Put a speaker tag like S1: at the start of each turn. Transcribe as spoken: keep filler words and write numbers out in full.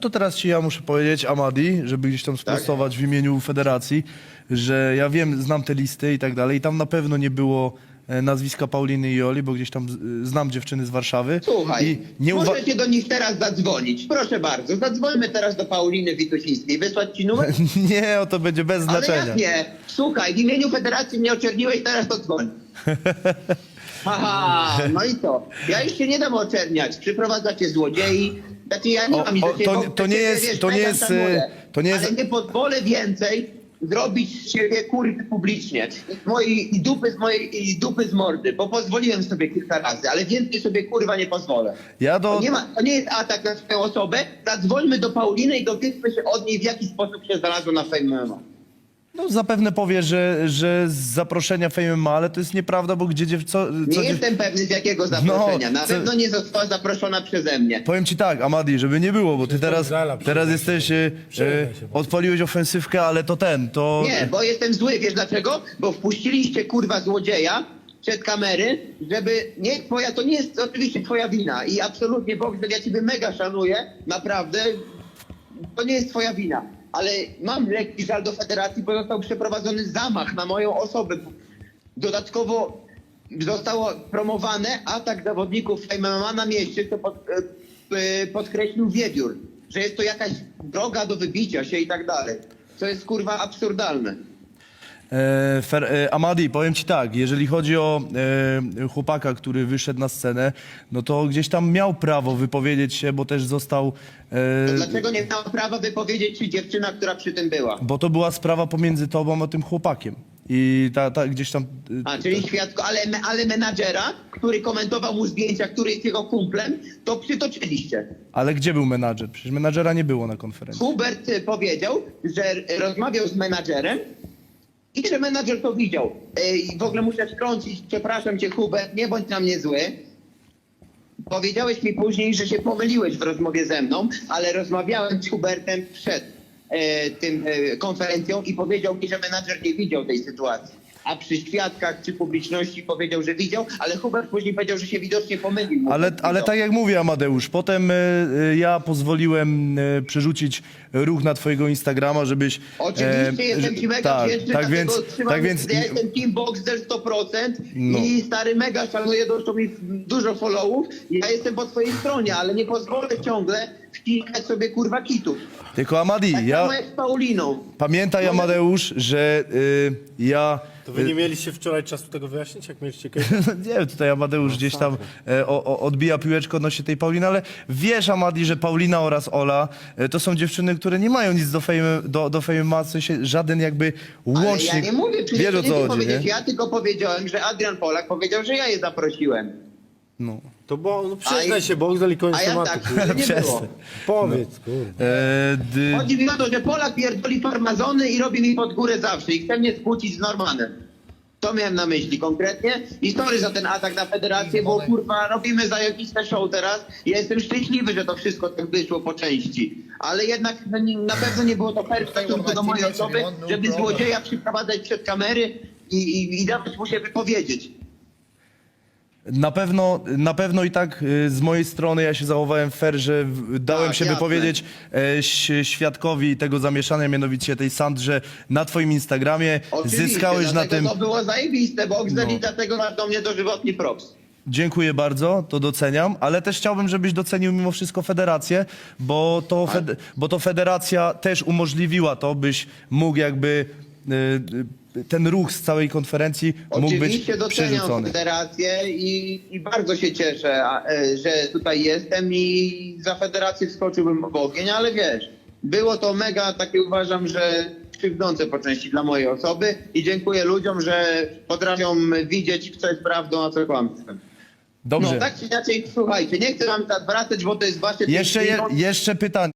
S1: To teraz ci ja muszę powiedzieć, Amadi, żeby gdzieś tam sprostować w imieniu federacji, że ja wiem, znam te listy i tak dalej i tam na pewno nie było e, nazwiska Pauliny i Oli, bo gdzieś tam z, znam dziewczyny z Warszawy.
S2: Słuchaj,
S1: I nie uwa-
S2: możecie do nich teraz zadzwonić. Proszę bardzo, zadzwońmy teraz do Pauliny Witusińskiej. Wysłać ci numer?
S1: Nie, o to będzie bez
S2: Ale
S1: znaczenia.
S2: jak nie? Słuchaj, w imieniu federacji mnie oczerniłeś, teraz to dzwoń. Haha, no i co? Ja już się nie dam oczerniać. Przyprowadzacie złodziei. Znaczy ja nie
S1: O,
S2: mam nic
S1: o,
S2: do ciebie,
S1: to-
S2: bo
S1: to nie
S2: ciebie,
S1: jest-
S2: wiesz,
S1: to nie
S2: mega
S1: jest,
S2: szanuję.
S1: to nie jest-
S2: Ale nie pozwolę więcej zrobić z siebie kurwy publicznie. I mojej i dupy z mojej i dupy z mordy, bo pozwoliłem sobie kilka razy, ale więcej sobie kurwa nie pozwolę.
S1: Ja do...
S2: To nie, ma, to nie jest atak na swoją osobę. Zadzwońmy do Pauliny i dowiedzmy się od niej, w jaki sposób się znalazła na Fame M M A.
S1: No, zapewne powie, że, że z zaproszenia Fame M M A, ale to jest nieprawda, bo gdzie dziew... co,
S2: Nie
S1: co dziew...
S2: jestem pewny z jakiego zaproszenia.
S1: No,
S2: Na
S1: co-
S2: pewno nie została zaproszona przeze mnie.
S1: Powiem ci tak, Amadi, żeby nie było, bo ty teraz,
S3: Zala,
S1: teraz
S3: przyznaj
S1: jesteś,
S3: się.
S1: e,
S3: Przyznaj
S1: e,
S3: się.
S1: odpaliłeś ofensywkę, ale to ten, to...
S2: Nie, bo jestem zły. Wiesz dlaczego? Bo wpuściliście kurwa złodzieja przed kamery, żeby... Nie, twoja, to nie jest oczywiście twoja wina. I absolutnie, Bogdan, ja ciebie mega szanuję. Naprawdę. To nie jest twoja wina. Ale mam lekki żal do federacji, bo został przeprowadzony zamach na moją osobę. Dodatkowo zostało promowane atak zawodników Fame M M A na mieście, co pod, e, e, podkreślił Wiewiór, że jest to jakaś droga do wybicia się i tak dalej. To jest kurwa absurdalne.
S1: E, fer, e, Amadi, powiem ci tak, jeżeli chodzi o e, chłopaka, który wyszedł na scenę, no to gdzieś tam miał prawo wypowiedzieć się, bo też został... E,
S2: To dlaczego nie miała prawa wypowiedzieć się dziewczyna, która przy tym była?
S1: bo to była sprawa pomiędzy tobą a tym chłopakiem. I ta, ta gdzieś tam... e,
S2: A, czyli świadko, ale, ale menadżera, który komentował mu zdjęcia, który jest jego kumplem, to przytoczyliście.
S1: Ale gdzie był menadżer? Przecież menadżera nie było na konferencji.
S2: Hubert y, powiedział, że y, rozmawiał z menadżerem i że menadżer to widział. Y, I w ogóle muszę wtrącić, przepraszam cię Hubert, nie bądź na mnie zły. Powiedziałeś mi później, że się pomyliłeś w rozmowie ze mną, ale rozmawiałem z Hubertem przed y, tym y, konferencją i powiedział mi, że menadżer nie widział tej sytuacji. A przy świadkach czy publiczności powiedział, że widział, ale Hubert później powiedział, że się widocznie pomylił.
S1: Ale,
S2: Widział.
S1: ale tak jak mówię, Amadeusz, potem e, e, ja pozwoliłem e, przerzucić ruch na twojego Instagrama, żebyś...
S2: Oczywiście
S1: e,
S2: jestem
S1: że-
S2: ci mega
S1: tak,
S2: wdzięczny,
S1: tak
S2: dlatego
S1: więc,
S2: trzymam,
S1: tak więc
S2: ja jestem Team Boxer sto procent
S1: No.
S2: i stary mega szanuję, doszło mi dużo followów. Ja jestem po twojej stronie, ale nie pozwolę ciągle wciskać sobie kurwa kitów.
S1: tylko Amadi,
S2: Tak
S1: ja
S2: samo jak z Pauliną.
S1: pamiętaj,
S2: Może-
S1: Amadeusz, że y, ja...
S3: To wy nie mieliście wczoraj czasu tego wyjaśnić, jak mieliście kiedyś?
S1: Nie wiem, tutaj Amadeusz gdzieś tam e, o, o, odbija piłeczkę odnośnie tej Pauliny, ale wiesz, Amadi, że Paulina oraz Ola e, to są dziewczyny, które nie mają nic do Fame, do, do Fame M M A, w sensie żaden jakby
S2: Ale
S1: łącznik.
S2: ja nie mówię, przecież
S1: Wiesz
S2: to
S1: o
S2: nie
S1: co
S2: ty
S1: chodzi,
S2: powiedziałeś,
S1: nie?
S2: ja tylko powiedziałem, że Adrian Polak powiedział, że ja je zaprosiłem.
S1: No.
S3: To bo, no
S2: A
S3: przyznaj
S2: i-
S3: się, Bogdan i koniec
S2: A ja
S3: tematu.
S2: tak, że nie było.
S1: Przestań.
S3: Powiedz, kurde.
S1: E, dy,
S2: Chodzi mi o to, że Polak pierdoli farmazony i robi mi pod górę zawsze i chce mnie skłócić z Normanem. To miałem na myśli konkretnie. I sorry za ten atak na federację, bo kurwa robimy zajebiste show teraz. Ja jestem szczęśliwy, że to wszystko tak wyszło po części. Ale jednak no, nie- na pewno nie było to fair w stosunku do mojej osoby, żeby złodzieja przyprowadzać przed kamery i, i, i dawać mu się wypowiedzieć.
S1: Na pewno, na pewno i tak y, z mojej strony ja się zachowałem fair, że w- dałem
S2: Tak,
S1: się
S2: jasne.
S1: wypowiedzieć e, ś- świadkowi tego zamieszania, mianowicie tej Sandrze na twoim Instagramie.
S2: Oczywiście,
S1: Zyskałeś na
S2: dlatego
S1: tym...
S2: to było zajebiste, bo
S1: No.
S2: i dlatego masz do mnie dożywotni props.
S1: Dziękuję bardzo, to doceniam, ale też chciałbym, żebyś docenił mimo wszystko federację, bo to,
S2: Tak.
S1: fed, bo to federacja też umożliwiła to, byś mógł jakby y, y, ten ruch z całej konferencji mógł być
S2: Oczywiście doceniam
S1: przerzucony.
S2: federację i, i bardzo się cieszę, a, e, że tutaj jestem i za federację wskoczyłbym w ogień, ale wiesz, było to mega takie uważam, że krzywdzące po części dla mojej osoby i dziękuję ludziom, że potrafią widzieć, co jest prawdą, a co kłamstwem.
S1: Dobrze.
S2: No tak czy inaczej, słuchajcie, nie chcę wam wracać, bo to jest wasze...
S1: Jeszcze, je, jeszcze pytanie.